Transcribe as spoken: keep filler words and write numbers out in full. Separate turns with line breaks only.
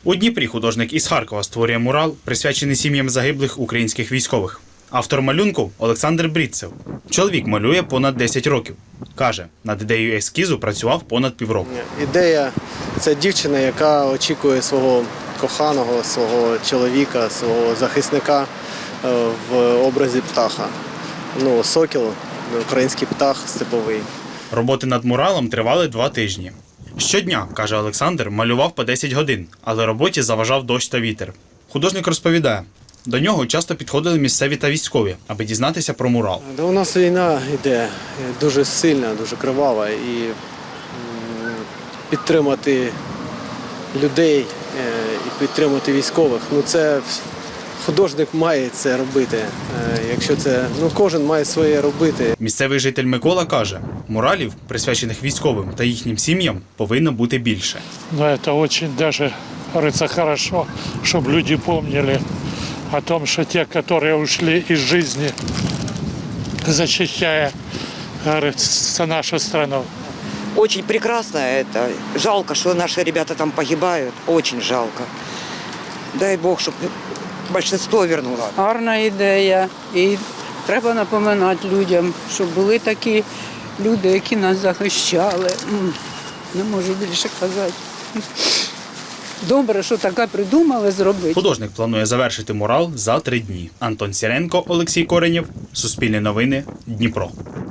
У Дніпрі художник із Харкова створює мурал, присвячений сім'ям загиблих українських військових. Автор малюнку – Олександр Брідцев. Чоловік малює понад десять років. Каже, над ідеєю ескізу працював понад півроку.
Ідея – це дівчина, яка очікує свого коханого, свого чоловіка, свого захисника в образі птаха. Ну, сокіл, український птах степовий.
Роботи над муралом тривали два тижні. Щодня, каже Олександр, малював по десять годин, але роботі заважав дощ та вітер. Художник розповідає, до нього часто підходили місцеві та військові, аби дізнатися про мурал.
Да, у нас війна йде дуже сильна, дуже кривава, і підтримати людей, і підтримати військових, ну це художник має це робити. Якщо це, ну кожен має своє робити.
Місцевий житель Микола каже, муралів, присвячених військовим та їхнім сім'ям, повинно бути більше.
Ну, це дуже, даже, говорится, хорошо, щоб люди пам'ятали о том, что те, которые ушли из жизни, защищая, говорится, нашу страну.
Очень прекрасно это. Жалко, что наши ребята там погибают. Очень жалко. Дай Бог, чтобы большинство вернуло.
Гарна ідея. І треба напоминати людям, що були такі люди, які нас захищали. Не можу більше казати. Добре, що таке придумали зробити.
Художник планує завершити мурал за три дні. Антон Сіренко, Олексій Коренєв, Суспільне новини, Дніпро.